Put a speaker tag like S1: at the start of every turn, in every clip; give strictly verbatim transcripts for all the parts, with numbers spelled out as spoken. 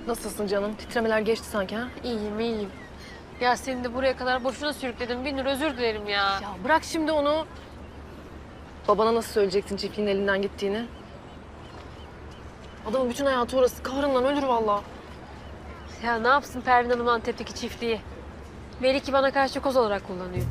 S1: Nasılsın canım? Titremeler geçti sanki ha?
S2: İyiyim, iyiyim. Ya seni de buraya kadar boşuna sürükledim. Binur özür dilerim ya.
S1: Ya bırak şimdi onu. Babana nasıl söyleyeceksin çiftliğin elinden gittiğini? Adamın bütün hayatı orası. Kahrından ölür vallahi.
S2: Ya ne yapsın Pervin Hanım Antep'teki çiftliği? Melike bana karşı koz olarak kullanıyor.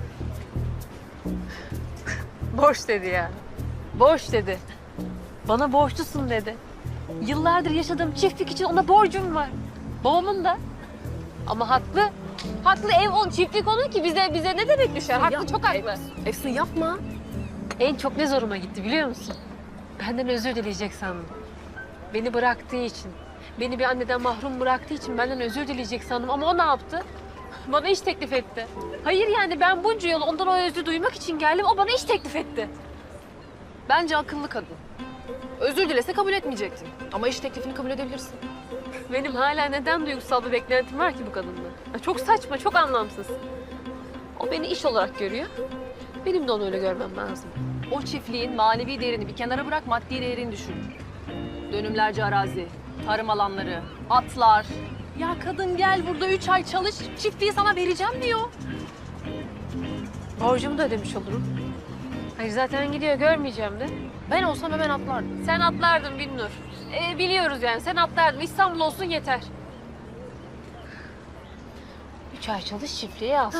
S2: Boş dedi ya. Boş dedi. Bana borçlusun dedi. Yıllardır yaşadığım çiftlik için ona borcum var. Babamın da. Ama haklı. Haklı, ev on, çiftlik onun ki bize bize ne demek düşer? Haklı,
S1: Yapma,
S2: çok haklı.
S1: Efsun, Efsun yapma.
S2: En çok ne zoruma gitti biliyor musun? Benden özür dileyecek sandım. Beni bıraktığı için, beni bir anneden mahrum bıraktığı için benden özür dileyecek sandım. Ama o ne yaptı? Bana iş teklif etti. Hayır yani ben bunca yıl ondan o özrü duymak için geldim. O bana iş teklif etti.
S1: Bence akıllı kadın. Özür dilese kabul etmeyecektin. Ama iş teklifini kabul edebilirsin.
S2: Benim hala neden duygusal bir beklentim var ki bu kadından? Ya çok saçma, çok anlamsız. O beni iş olarak görüyor. Benim de onu öyle görmem lazım.
S1: O çiftliğin manevi değerini bir kenara bırak, maddi değerini düşün. Dönümlerce arazi, tarım alanları, atlar. Ya kadın gel burada üç ay çalış, çiftliği sana vereceğim diyor.
S2: Borcumu da ödemiş olurum. Hayır zaten gidiyor, görmeyeceğim de.
S1: Ben olsam hemen atlardım.
S2: Sen atlardın Binnur. Ee, biliyoruz yani, sen atlardın. İstanbul olsun yeter. Üç ay çalış, çiftliği al.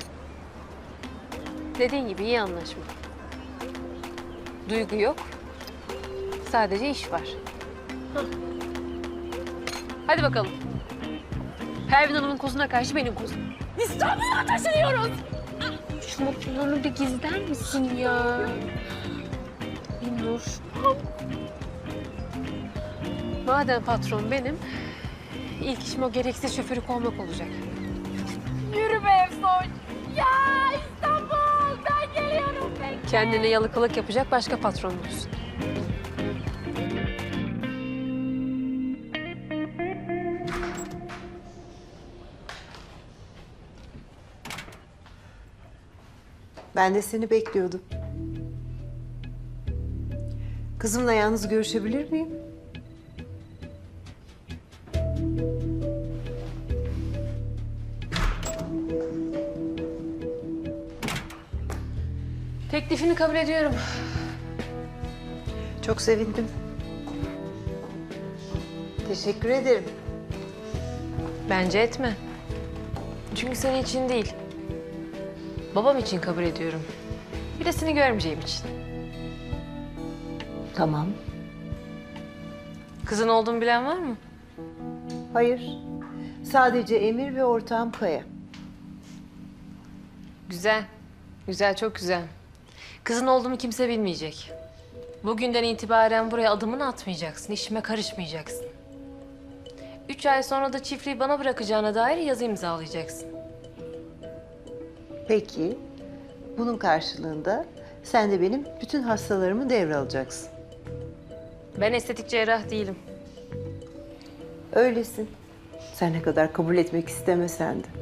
S2: Dediğin gibi iyi anlaşma. Duygu yok. Sadece iş var. Hah. Hadi bakalım. Pervin Hanım'ın kozuna karşı benim kozum. İstanbul'a taşınıyoruz. Şu mutluluğunu bir gizler misin ya? Binnur. Madem patron benim, ilk işim o gereksiz şoförü kovmak olacak.
S1: Yürü be Efsun. Ya İstanbul, ben geliyorum. Ben...
S2: Kendine yalakalık yapacak başka patron bulsun.
S3: Ben de seni bekliyordum. Kızımla yalnız görüşebilir miyim?
S2: Teklifini kabul ediyorum.
S3: Çok sevindim. Teşekkür ederim.
S2: Bence etme. Çünkü senin için değil. Babam için kabul ediyorum. Bir de seni görmeyeceğim için.
S3: Tamam.
S2: Kızın olduğunu bilen var mı?
S3: Hayır. Sadece Emir ve ortağım Kaya.
S2: Güzel. Güzel, çok güzel. Kızın olduğumu kimse bilmeyecek. Bugünden itibaren buraya adımını atmayacaksın, işime karışmayacaksın. Üç ay sonra da çiftliği bana bırakacağına dair yazı imzalayacaksın.
S3: Peki. Bunun karşılığında sen de benim bütün hastalarımı devralacaksın.
S2: Ben estetik cerrah değilim.
S3: Öylesin. Sen ne kadar kabul etmek istemesen de.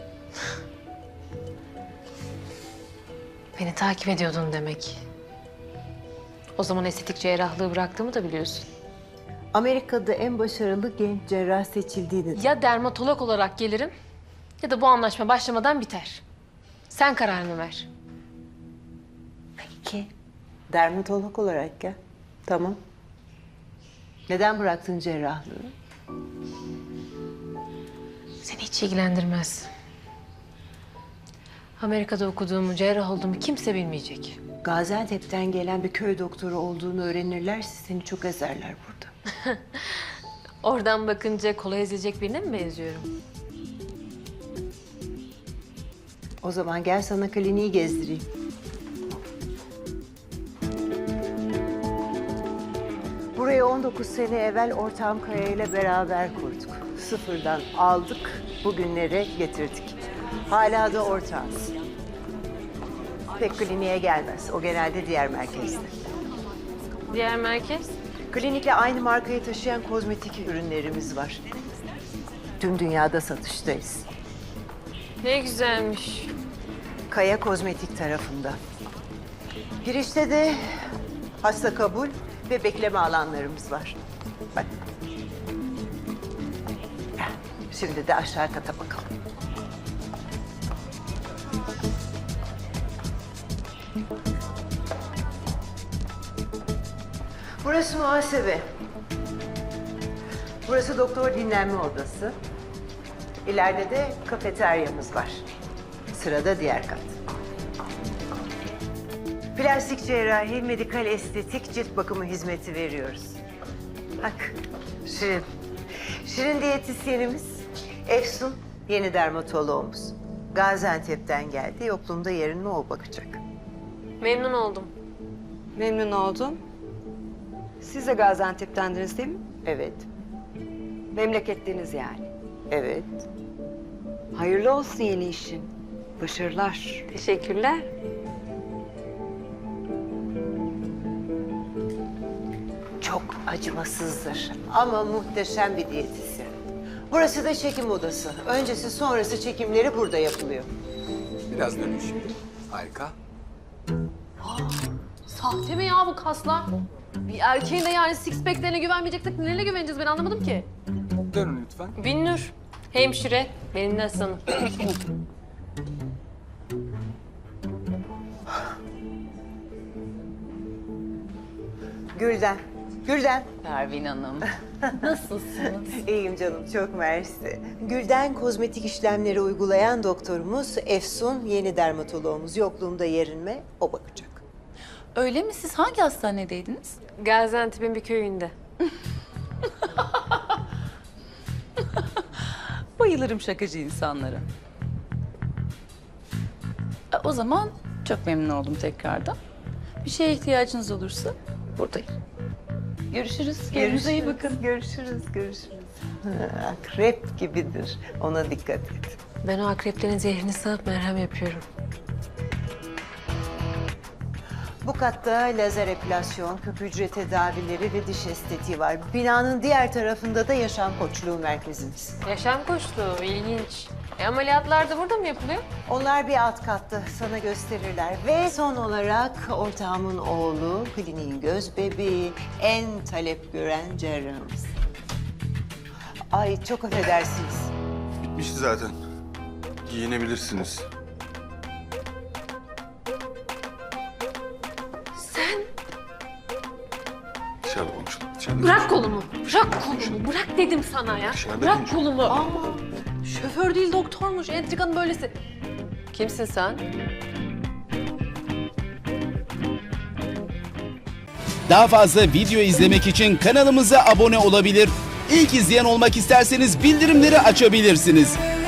S2: Beni takip ediyordun demek. O zaman estetik cerrahlığı bıraktığımı da biliyorsun.
S3: Amerika'da en başarılı genç cerrah seçildiğini...
S2: Ya dermatolog olarak gelirim ya da bu anlaşma başlamadan biter. Sen kararını ver.
S3: Peki. Dermatolog olarak gel. Tamam. Neden bıraktın cerrahlığı?
S2: Seni hiç ilgilendirmez. Amerika'da okuduğumu, cerrah olduğumu kimse bilmeyecek.
S3: Gaziantep'ten gelen bir köy doktoru olduğunu öğrenirlerse seni çok ezerler burada.
S2: Oradan bakınca kolay ezilecek birine mi benziyorum?
S3: O zaman gel sana kliniği gezdireyim. Burayı on dokuz sene evvel ortağım Kaya ile beraber kurduk. Sıfırdan aldık, bugünlere getirdik. Hala da ortağız. Pek kliniğe gelmez. O genelde diğer merkezde.
S2: Diğer merkez?
S3: Klinikle aynı markayı taşıyan kozmetik ürünlerimiz var. Tüm dünyada satıştayız.
S2: Ne güzelmiş.
S3: Kaya Kozmetik tarafında. Girişte de hasta kabul ve bekleme alanlarımız var. Bak. Şimdi de aşağı kata bakalım. Burası muhasebe. Burası doktor dinlenme odası. İleride de kafeteryamız var. Sırada diğer kat. Plastik cerrahi, medikal estetik, cilt bakımı hizmeti veriyoruz. Bak, Şirin. Şirin diyetisyenimiz, Efsun yeni dermatoloğumuz. Gaziantep'ten geldi, yokluğumda yerine o bakacak.
S2: Memnun oldum.
S4: Memnun oldum. Siz de Gaziantep'tendiniz değil mi?
S3: Evet,
S4: Memleketliniz yani.
S3: evet.
S4: Hayırlı olsun yeni işin. Başarılar.
S2: Teşekkürler.
S3: Çok acımasızdır ama muhteşem bir diyetisyen. Burası da çekim odası. Öncesi sonrası çekimleri burada yapılıyor.
S5: Biraz dönün şimdi. Harika.
S1: Sahte mi ya bu kaslar? Bir erkeğin de yani six pack'lerine güvenmeyeceksek nelerine güveneceğiz ben anlamadım ki.
S5: Dönün lütfen.
S2: Binnur, hemşire, benim de asistanım.
S3: Gülden, Gülden.
S1: Pervin Hanım. Nasılsınız?
S3: İyiyim canım, çok mersi. Gülden kozmetik işlemleri uygulayan doktorumuz, Efsun yeni dermatoloğumuz. Yokluğumda yerinme, o bakacak.
S6: Öyle mi? Siz hangi hastanedeydiniz?
S2: Gaziantep'in bir köyünde.
S6: Bayılırım şakacı insanlara. E, O zaman çok memnun oldum tekrardan. Bir şeye ihtiyacınız olursa buradayım. Görüşürüz. Kendinize iyi bakın.
S3: Görüşürüz, görüşürüz. Akrep gibidir, ona dikkat et.
S2: Ben o akreplerin zehrini sağıp merhem yapıyorum.
S3: Bu katta lazer epilasyon, küp hücre tedavileri ve diş estetiği var. Binanın diğer tarafında da yaşam koçluğu merkezimiz.
S2: Yaşam koçluğu, ilginç. E, ameliyatlar da burada mı yapılıyor?
S3: Onlar bir alt katta, sana gösterirler. Ve son olarak ortağımın oğlu, kliniğin göz bebeği, en talep gören cerrahımız. Ay çok affedersiniz.
S7: Bitmişti zaten. Giyinebilirsiniz.
S2: Sen
S7: Dışarıda konuşalım. Dışarıda
S2: bırak
S7: konuşalım.
S2: kolumu, bırak kolumu, bırak dedim sana ya.
S7: Dışarıda
S2: Bırak
S7: konuşalım.
S2: kolumu.
S1: Ama şoför değil doktormuş. Entrikanın böylesi. Kimsin sen?
S8: Daha fazla video izlemek için kanalımıza abone olabilir. İlk izleyen olmak isterseniz bildirimleri açabilirsiniz.